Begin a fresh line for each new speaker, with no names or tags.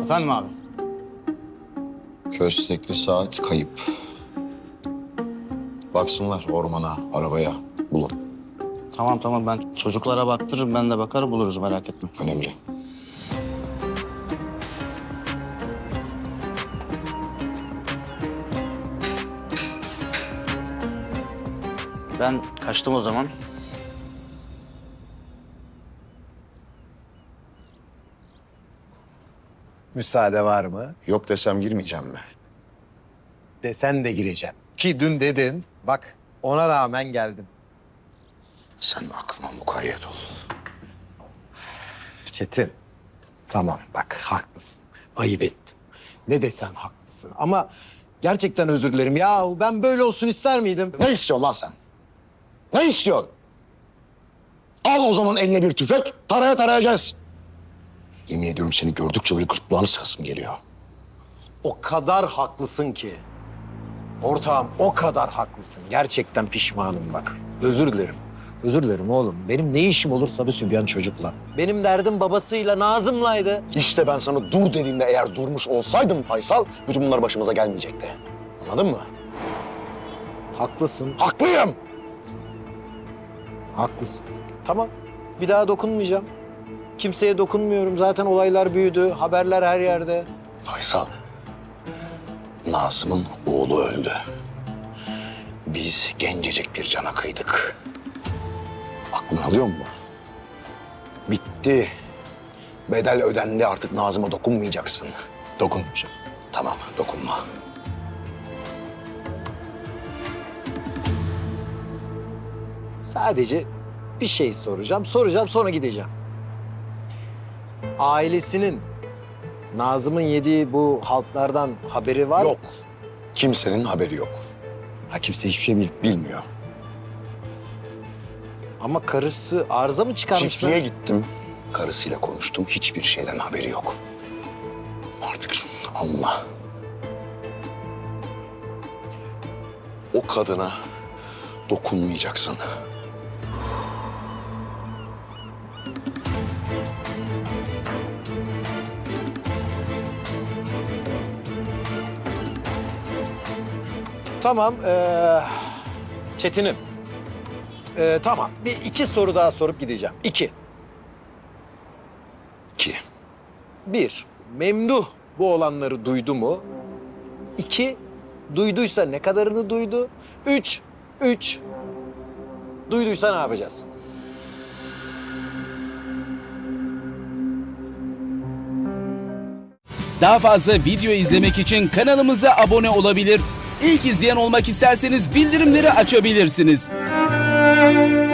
Efendim abi?
Köstekli saat kayıp. Baksınlar ormana, arabaya. Bulun.
Tamam ben çocuklara baktırırım, ben de bakar buluruz, merak etme.
Önemli.
Ben kaçtım o zaman.
Müsaade var mı?
Yok desem girmeyeceğim mi?
Desen de gireceğim. Ki dün dedin. Bak ona rağmen geldim.
Sen aklıma mukayyet ol.
Çetin. Tamam bak haklısın. Ayıp ettim. Ne desen haklısın. Ama gerçekten özür dilerim. Ya ben böyle olsun ister miydim?
Ne istiyorsun lan sen? Ne istiyorsun? Al o zaman eline bir tüfek, taraya taraya gez. Yemin ediyorum seni gördükçe böyle gırtlağını sıkasım geliyor.
O kadar haklısın ki. Ortağım o kadar haklısın. Gerçekten pişmanım bak. Özür dilerim. Özür dilerim oğlum. Benim ne işim olur Sabi Sübyan çocukla? Benim derdim babasıyla, Nazım'laydı.
İşte ben sana dur dediğimde eğer durmuş olsaydın Faysal, bütün bunlar başımıza gelmeyecekti. Anladın mı?
Haklısın,
Haklıyım.
haklısın. Tamam, bir daha dokunmayacağım. Kimseye dokunmuyorum. Zaten olaylar büyüdü, haberler her yerde.
Faysal, Nazım'ın oğlu öldü. Biz gencecik bir cana kıydık. Aklını alıyor mu? Bitti. Bedel ödendi, artık Nazım'a dokunmayacaksın.
Dokunmayacağım.
Tamam, dokunma.
Sadece bir şey soracağım. Soracağım sonra gideceğim. Ailesinin Nazım'ın yediği bu haltlardan haberi var mı?
Yok. Kimsenin haberi yok.
Ha kimse hiçbir şey bilmiyor.
Bilmiyor.
Ama karısı arıza mı çıkarmış?
Çiftliğe gittim. Karısıyla konuştum. Hiçbir şeyden haberi yok. Artık anla. O kadına dokunmayacaksın.
Tamam. Çetin'im. Tamam. Bir iki soru daha sorup gideceğim. İki.
Ki
Bir, Memduh bu olanları duydu mu? İki, duyduysa ne kadarını duydu? Üç, duyduysa ne yapacağız?
Daha fazla video izlemek için kanalımıza abone olabilir. İlk izleyen olmak isterseniz bildirimleri açabilirsiniz.